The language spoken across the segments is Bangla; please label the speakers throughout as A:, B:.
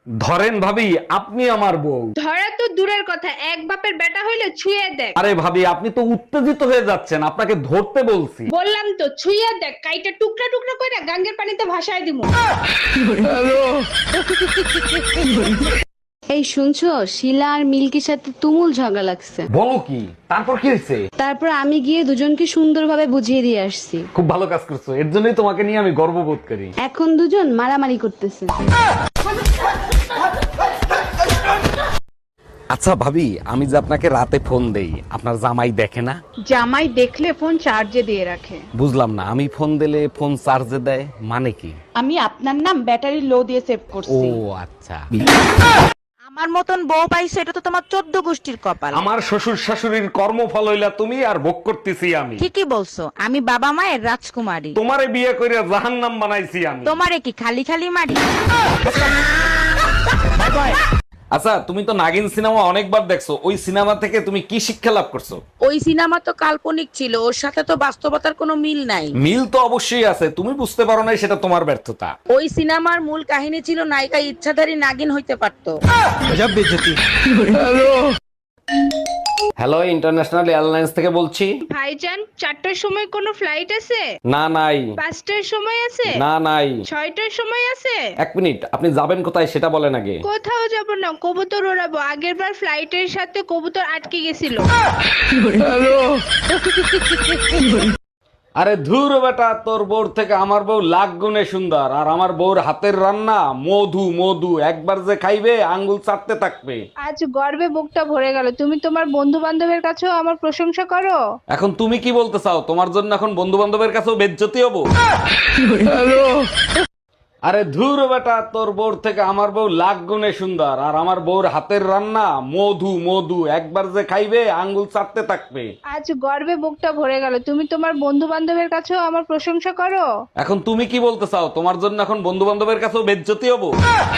A: ধরেন ভাবি, আপনি আমার বউ।
B: ধরা তো দূরের কথা, এক বাপের বেটা হইলে ছুঁয়ে দেখ।
A: আরে ভাবি, আপনি তো উত্তেজিত হয়ে যাচ্ছেন, আপনাকে ধরতে বলছি।
B: বললাম তো ছুঁয়ে দেখ, কাইটা টুকরা টুকরা করে গাঙ্গের পানিতে ভাসায় দিমু।
C: এই শুনছো, শিলা আর মিল্কির সাথে তুমুল ঝগড়া লাগছে।
A: বলো কি? তারপর কি হয়েছে?
C: তারপর আমি গিয়ে দুজনকে সুন্দরভাবে বুঝিয়ে দিয়ে আসছি।
A: খুব ভালো কাজ করছো, এর জন্যই তোমাকে নিয়ে আমি গর্ববোধ করি।
C: এখন দুজন মারামারি করতেছে।
A: আচ্ছা ভাবি, আমি যে আপনাকে রাতে ফোন দেই, আপনার জামাই দেখে না?
D: জামাই দেখলে ফোন চার্জে দিয়ে রাখে।
A: বুঝলাম না, আমি ফোন দিলে ফোন চার্জে দেয় মানে কি?
D: আমি আপনার নাম ব্যাটারি লো দিয়ে সেভ
A: ও
D: করছি।
A: আচ্ছা।
E: আমার মতন বউ পাইছো, এটা তো তোমার 14 গোষ্ঠীর কপাল।
A: আমার শ্বশুর শাশুড়ির কর্মফল হইলা তুমি, আর ভোগ করতেছি আমি।
E: ঠিকই বলছো, আমি বাবা মায়ের রাজকুমারী।
A: তোমারে বিয়ে করে জাহান্নাম বানাইছি আমি।
E: তোমারে কি খালি খালি মারি?
A: আচ্ছা, তুমি তো নাগিন সিনেমা অনেকবার দেখছো, ওই সিনেমা থেকে তুমি কি শিক্ষা লাভ করছো?
E: ওই সিনেমা তো কাল্পনিক ছিল, ওর সাথে তো বাস্তবতার কোনো মিল নাই।
A: মিল তো অবশ্যই আছে, তুমি বুঝতে পারো না, সেটা তোমার ব্যর্থতা।
E: ওই সিনেমার মূল কাহিনী ছিল নায়িকা ইচ্ছাধারী নাগিন হইতে পারতো।
A: হ্যালো, ইন্টারন্যাশনাল এয়ারলাইন্স থেকে বলছি।
B: ভাইজান, 4টার সময় কোনো ফ্লাইট আছে?
A: না নাই।
B: 5টার সময় আছে?
A: না নাই।
B: 6টার সময় আছে?
A: এক মিনিট, আপনি যাবেন কোথায় সেটা বলেন আগে।
B: কোথাও যাব না, কবুতর ওড়াবো। আগের বার ফ্লাইটের সাথে কবুতর আটকে গেছিল।
A: আরে ধুর বেটা, তোর বউর থেকে আমার বউ লাখ গুণে সুন্দর, আর আমার বউর হাতের রান্না মধু মধু, একবার যে খাইবে আঙ্গুল চাটতে থাকবে।
B: আজ গর্বে বুকটা ভরে গেল। তুমি তোমার বন্ধু বান্ধবের কাছেও আমার প্রশংসা করো।
A: এখন তুমি কি বলতে চাও? তোমার জন্য এখন বন্ধু বান্ধবের কাছেও বেজ্জতি হবো? আরে ধুর বেটা, তোর বউর থেকে আমার বউ লাখ গুণে সুন্দর, আর আমার বউর হাতের রান্না মধু মধু, একবার যে খাইবে আঙ্গুল চাটতে থাকবে।
B: আজ গর্বে বুকটা ভরে গেল। তুমি তোমার বন্ধু বান্ধবের কাছেও আমার প্রশংসা করো।
A: এখন তুমি কি বলতে চাও? তোমার জন্য এখন বন্ধু বান্ধবের কাছেও বেজ্জতি হবো?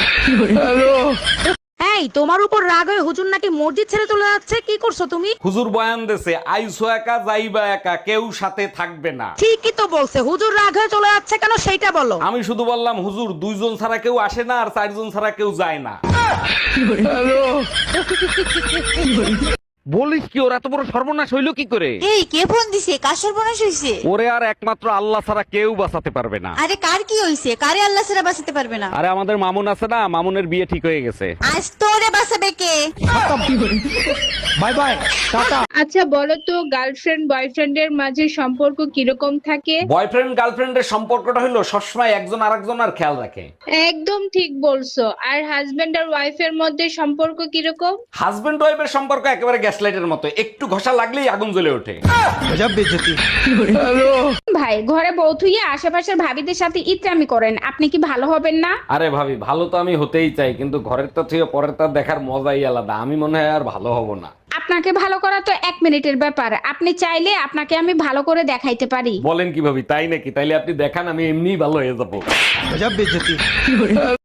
E: এই, তোমার উপর রাগ হয়ে হুজুর নাকি মসজিদ ছেড়ে চলে যাচ্ছে, কি করছো তুমি?
A: হুজুর বয়ান দেছে, আইসো একা যাইবা একা, কেউ সাথে থাকবে না।
E: ঠিকই তো বলছে, হুজুর রাগ হয়ে চলে যাচ্ছে কেন সেইটা বলো।
A: আমি শুধু বললাম, হুজুর 2 জন ছাড়া কেউ আসে না, আর 4 জন ছাড়া কেউ যায় না। বলিস কি, ওরা তো বড় সর্বনাশ হইলো কি করে?
F: এই কে ফোন দিছে? কার সর্বনাশ হইছে?
A: ওরে আর একমাত্র আল্লাহ ছাড়া কেউ বাঁচাতে পারবে না।
F: আরে কার কি হইছে? কারে আল্লাহ ছাড়া বাঁচাতে পারবে না?
A: আরে আমাদের মামুন আছে না, মামুনের বিয়ে ঠিক হয়ে গেছে।
F: আজ তোরে বাঁচাবে কে?
A: Bye bye, tata.
B: আচ্ছা বলো তো, গার্লফ্রেন্ড বয়ফ্রেন্ডের মাঝে সম্পর্ক কিরকম থাকে?
A: বয়ফ্রেন্ড গার্লফ্রেন্ডের সম্পর্কটা হলো সবসময় একজন আরেকজনের খেয়াল রাখে।
B: একদম ঠিক বলছো। আর হাজবেন্ড আর ওয়াইফের মধ্যে সম্পর্ক কিরকম?
A: হাজবেন্ড ওয়াইফের সম্পর্ক একেবারে গ্যাস লাইটের মতো, একটু ঘষা লাগলেই আগুন জ্বলে ওঠে।
G: ভাই, ঘরে বউ থুইয়ে আশেপাশের ভাবিদের সাথে ইত্রামি করেন, আপনি কি ভালো হবেন না?
A: আরে ভাবি, ভালো তো আমি হতেই চাই, কিন্তু ঘরের তা থেকে পরের তা দেখার মজাই আলাদা। আমি মনে হয় আর ভালো হব না।
G: আপনাকে ভালো করা তো 1 মিনিটের ব্যাপার। আপনি চাইলে আপনাকে আমি ভালো করে দেখাইতে পারি।
A: বলেন কি ভাবি, তাই নাকি? তাইলে আপনি দেখান, আমি এমনিই ভালো হয়ে যাবো।